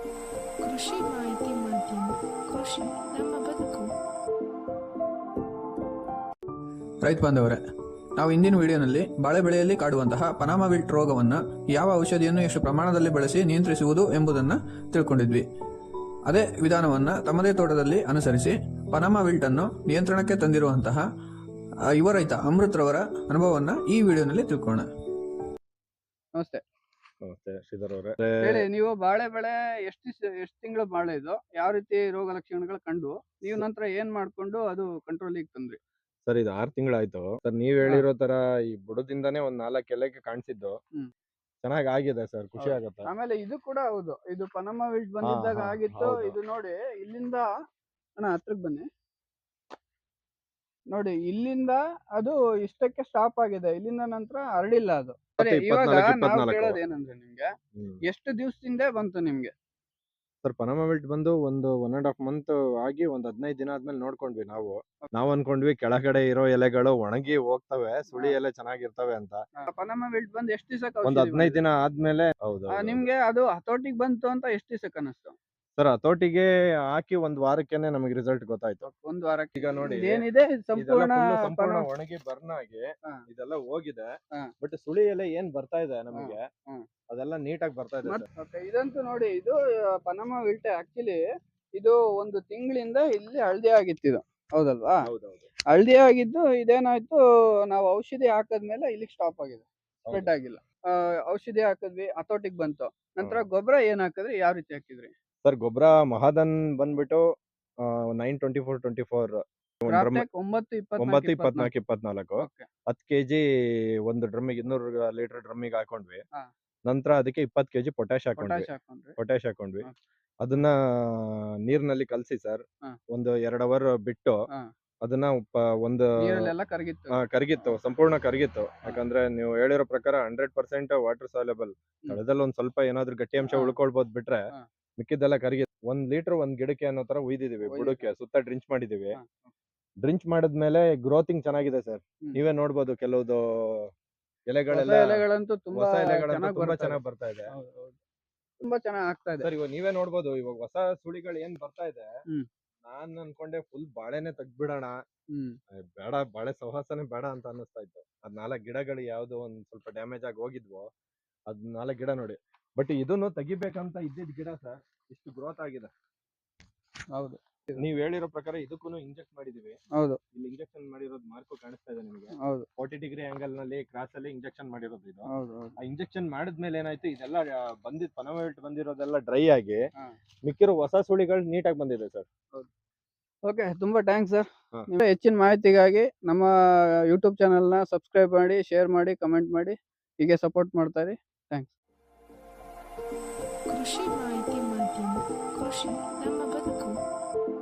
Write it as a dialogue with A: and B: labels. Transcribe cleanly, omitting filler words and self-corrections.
A: ಕೃಷಿ ಮಾಹಿತಿ ಮಾಧ್ಯಮ. ಕೃಷಿ ನಮ್ಮ ಬದುಕು.
B: ರೈತ ಬಾಂಧವರೇ, ನಾವು ಇಂದಿನ ವಿಡಿಯೋನಲ್ಲಿ ಬಾಳೆ ಬೆಳೆಯಲ್ಲಿ ಕಾಡುವಂತಹ ಪನಾಮ ವಿಲ್ಟ್ ರೋಗವನ್ನು ಯಾವ ಔಷಧಿಯನ್ನು ಎಷ್ಟು ಪ್ರಮಾಣದಲ್ಲಿ ಬಳಸಿ ನಿಯಂತ್ರಿಸುವುದು ಎಂಬುದನ್ನು ತಿಳ್ಕೊಂಡಿದ್ವಿ. ಅದೇ ವಿಧಾನವನ್ನು ತಮ್ಮದೇ ತೋಟದಲ್ಲಿ ಅನುಸರಿಸಿ ಪನಾಮ ವಿಲ್ಟ್ ಅನ್ನು ನಿಯಂತ್ರಣಕ್ಕೆ ತಂದಿರುವಂತಹ ಯುವ ರೈತ ಅಮೃತ್ ರವರ ಅನುಭವವನ್ನು ಈ ವಿಡಿಯೋನಲ್ಲಿ ತಿಳ್ಕೋಣ.
C: ನಮಸ್ತೆ.
D: ನಮಸ್ತೆ ಶ್ರೀಧರ್ ಅವರೇ.
C: ಹೇಳಿ, ನೀವು ಬಾಳೆ ಬೆಳೆ ಎಷ್ಟು ತಿಂಗಳು ಬಾಳೆ ಇದು, ಯಾವ ರೀತಿ ರೋಗ ಲಕ್ಷಣಗಳು ಕಂಡು ನೀವು ನಂತರ ಏನ್ ಮಾಡ್ಕೊಂಡು ಅದು ಕಂಟ್ರೋಲಿಗೆ ತಂದ್ರಿ?
D: ಸರ್, ಇದು 6 ತಿಂಗಳಾಯ್ತು ಸರ್. ನೀವ್ ಹೇಳಿರೋ ತರ ಈ ಬುಡದಿಂದಾನೇ ಒಂದ್ 4 ಎಲೆಗೆ ಕಾಣಿಸಿದ್ದು ಚೆನ್ನಾಗಿ ಆಗಿದೆ ಸರ್, ಖುಷಿ ಆಗುತ್ತೆ.
C: ಆಮೇಲೆ ಇದು ಕೂಡ ಹೌದು, ಇದು ಪನಾಮ ವಿಲ್ಟ್ ಬಂದಿದ್ದಾಗ ಆಗಿತ್ತು. ಇದು ನೋಡಿ, ಇಲ್ಲಿಂದ ಹತ್ರಕ್ಕೆ ಬನ್ನಿ ನೋಡಿ, ಇಲ್ಲಿಂದ ಅದು ಇಷ್ಟಕ್ಕೆ ಸ್ಟಾಪ್ ಆಗಿದೆ. ಇಲ್ಲಿಂದ ನಂತರ ಹರಡಿಲ್ಲ ಅದು. ಸರಿ, ಇವಾಗ ನಾವು ಕೇಳೋದು ಏನಂದ್ರೆ, ನಿಮ್ಗೆ ಎಷ್ಟು ದಿವಸದಿಂದ ಬಂತು ನಿಮ್ಗೆ?
D: ಸರ್, ಪನಾಮ ವಿಲ್ಟ್ ಬಂದು ಒಂದು 1.5 ಮಂತ್ ಆಗಿ ಒಂದ್ 15 ದಿನ ಆದ್ಮೇಲೆ ನೋಡ್ಕೊಂಡ್ವಿ. ನಾವು ಅನ್ಕೊಂಡ್ವಿ ಕೆಳಗಡೆ ಇರೋ ಎಲೆಗಳು ಒಣಗಿ ಹೋಗ್ತವೆ, ಸುಳಿ ಎಲೆ ಚೆನ್ನಾಗಿರ್ತವೆ ಅಂತ.
C: ಪನಾಮ ವಿಲ್ಟ್ ಬಂದು ಎಷ್ಟು ದಿವಸ?
D: ಒಂದ್ 15 ದಿನ ಆದ್ಮೇಲೆ. ಹೌದು.
C: ನಿಮ್ಗೆ ಅದು ಹತೋಟಿಗೆ ಬಂತು ಅಂತ ಎಷ್ಟು ದಿವಸಕ್ಕೆ ಅನಿಸ್ತು?
D: ಸರ್, ಹತೋಟಿಗೆ ಹಾಕಿ ಒಂದ್ ವಾರಕ್ಕೆನೆ ನಮಗೆ ರಿಸಲ್ಟ್ ಗೊತ್ತಾಯ್ತು.
C: ಒಂದ್ ವಾರಕ್ಕೆ.
D: ಈಗ ನೋಡಿ,
C: ಏನಿದೆ
D: ಸಂಪೂರ್ಣ ಒಣಗಿ ಬರ್ನ್ ಆಗಿ ಇದೆಲ್ಲ ಹೋಗಿದೆ. ಬಟ್ ಸುಳಿ ಎಲೆ ಏನ್ ಬರ್ತಾ ಇದೆ ನಮಗೆ, ಅದೆಲ್ಲ ನೀಟಾಗಿ ಬರ್ತಾ ಇದೆ.
C: ಇದಂತೂ ನೋಡಿ, ಇದು ಪನಾಮ ವಿಲ್ಟ್ ಆಕ್ಚುಲಿ ಇದು ಒಂದು ತಿಂಗಳಿಂದ ಇಲ್ಲಿ ಹಳದಿ ಆಗಿತ್ತು. ಇದು ಹೌದಲ್ವಾ? ಹಳದಿ ಆಗಿದ್ದು ಇದೇನಾಯ್ತು, ನಾವು ಔಷಧಿ ಹಾಕದ್ಮೇಲೆ ಇಲ್ಲಿಗೆ ಸ್ಟಾಪ್ ಆಗಿದೆ, ಸ್ಪ್ರೆಡ್ ಆಗಿಲ್ಲ. ಔಷಧಿ ಹಾಕಿದ್ವಿ, ಹತೋಟಿಗೆ ಬಂತು. ನಂತರ ಗೊಬ್ಬರ ಏನ್ ಹಾಕಿದ್ರಿ, ಯಾವ ರೀತಿ ಹಾಕಿದ್ರಿ?
D: ಸರ್, ಗೊಬ್ಬರ ಮಹಾದನ್ ಬಂದ್ಬಿಟ್ಟು 9-24-24 9-24-24 10 kg ಒಂದು ಡ್ರಮ್ಮಿಗೆ 200 ಲೀಟರ್ ಡ್ರಮ್ಮಿಗೆ ಹಾಕೊಂಡ್ವಿ. ನಂತರ ಅದಕ್ಕೆ 20 kg ಪೊಟ್ಯಾಶ್ ಹಾಕೊಂಡ್ವಿ. ಅದನ್ನ ನೀರ್ನಲ್ಲಿ ಕಲಸಿ ಸರ್, ಒಂದು 2 ಅವರ್ ಬಿಟ್ಟು ಅದನ್ನ ಒಂದು ಕರಗಿತ್ತು, ಸಂಪೂರ್ಣ ಕರಗಿತ್ತು. ಯಾಕಂದ್ರೆ ನೀವು ಹೇಳಿರೋ ಪ್ರಕಾರ 100% ವಾಟರ್ ಸಾಲ್ಯುಬಲ್. ತಳದಲ್ಲಿ ಒಂದ್ ಸ್ವಲ್ಪ ಏನಾದ್ರು ಗಟ್ಟಿ ಅಂಶ ಉಳ್ಕೊಳ್ಬಹುದು, ಬಿಟ್ರೆ ಮಿಕ್ಕಿದ್ದೆಲ್ಲ ಕರಗಿತ್ತು. 1 ಲೀಟರ್ 1 ಗಿಡಕ್ಕೆ ಅನ್ನೋ ತರ ಉಯ್ದಿದೀವಿ. ಬುಡಕ್ಕೆ ಸುತ್ತ ಡ್ರಿಂಚ್ ಮಾಡಿದೀವಿ. ಡ್ರಿಂಚ್ ಮಾಡಿದ್ಮೇಲೆ ಗ್ರೋತಿಂಗ್ ಚೆನ್ನಾಗಿದೆ ಸರ್. ನೀವೇ ನೋಡ್ಬೋದು, ಕೆಲವುದು
C: ಎಲೆಗಳಂತೂ ತುಂಬಾ
D: ಚೆನ್ನಾಗಿ ಬರ್ತಾ ಇದೆ,
C: ತುಂಬಾ ಚೆನ್ನಾಗಿ ಆಗ್ತಾ ಇದೆ
D: ಸರ್. ಇವಾಗ ನೀವೇ ನೋಡ್ಬೋದು, ಇವಾಗ ಹೊಸ ಸುಳಿಗಳು ಏನ್ ಬರ್ತಾ ಇದೆ. ನಾನ್ ಅನ್ಕೊಂಡೆ ಫುಲ್ ಬಾಳೆನೆ ತೆಗ್ದ್ಬಿಡೋಣ, ಬೇಡ, ಬಾಳೆ ಸಹವಾಸನೆ ಬೇಡ ಅಂತ ಅನ್ನಿಸ್ತಾ ಇತ್ತು. ಅದ್ 4 ಗಿಡಗಳು ಯಾವ್ದೋ ಒಂದ್ ಸ್ವಲ್ಪ ಡ್ಯಾಮೇಜ್ ಆಗಿ ಹೋಗಿದ್ವು. ಅದ್ 4 ಗಿಡ ನೋಡಿ. ಬಟ್ ಇದನ್ನು ತೆಗಿಬೇಕಂತ ಇದ್ದಿದ್ ಗಿಡ ಸರ್, ಇಷ್ಟು ಗ್ರೋತ್ ಆಗಿದೆ.
C: ಹೌದು,
D: ನೀವ್ ಹೇಳಿರೋ ಪ್ರಕಾರ ಇದಕ್ಕೂ ಇಂಜೆಕ್ಟ್ ಮಾಡಿದೀವಿ.
C: ಹೌದು,
D: ಇಲ್ಲಿ ಇಂಜೆಕ್ಷನ್ ಮಾಡಿರೋದು ಮಾರ್ಕು ಕಾಣಿಸ್ತಾ ಇದೆ ನಿಮಗೆ.
C: ಹೌದು,
D: 40 ಡಿಗ್ರಿ ಆಂಗಲ್ ನಲ್ಲಿ ಕ್ರಾಸ್ ಅಲ್ಲಿ ಇಂಜೆಕ್ಷನ್ ಮಾಡಿರೋದು ಇದು.
C: ಹೌದು.
D: ಆ ಇಂಜೆಕ್ಷನ್ ಮಾಡಿದ್ಮೇಲೆ ಏನಾಯ್ತು, ಇದೆಲ್ಲ ಪನಾಮ ವಿಲ್ಟ್ ಬಂದಿರೋದೆಲ್ಲ ಡ್ರೈ ಆಗಿ ಮಿಕ್ಕಿರೋ ಹೊಸ ಸುಳಿಗಳು ನೀಟಾಗಿ ಬಂದಿದೆ ಸರ್.
C: ಓಕೆ, ತುಂಬಾ ಥ್ಯಾಂಕ್ಸ್ ಸರ್. ಹೆಚ್ಚಿನ ಮಾಹಿತಿಗಾಗಿ ನಮ್ಮ ಯೂಟ್ಯೂಬ್ ಚಾನಲ್ನ ಸಬ್ಸ್ಕ್ರೈಬ್ ಮಾಡಿ, ಶೇರ್ ಮಾಡಿ, ಕಮೆಂಟ್ ಮಾಡಿ, ಹೀಗೆ ಸಪೋರ್ಟ್ ಮಾಡ್ತಾ ಇರಿ. ಥ್ಯಾಂಕ್ಸ್.
A: ಕೃಷಿ ಮಾಹಿತಿ ಮಾಧ್ಯಮ. ಕೃಷಿ ನಮ್ಮ ಬದುಕು.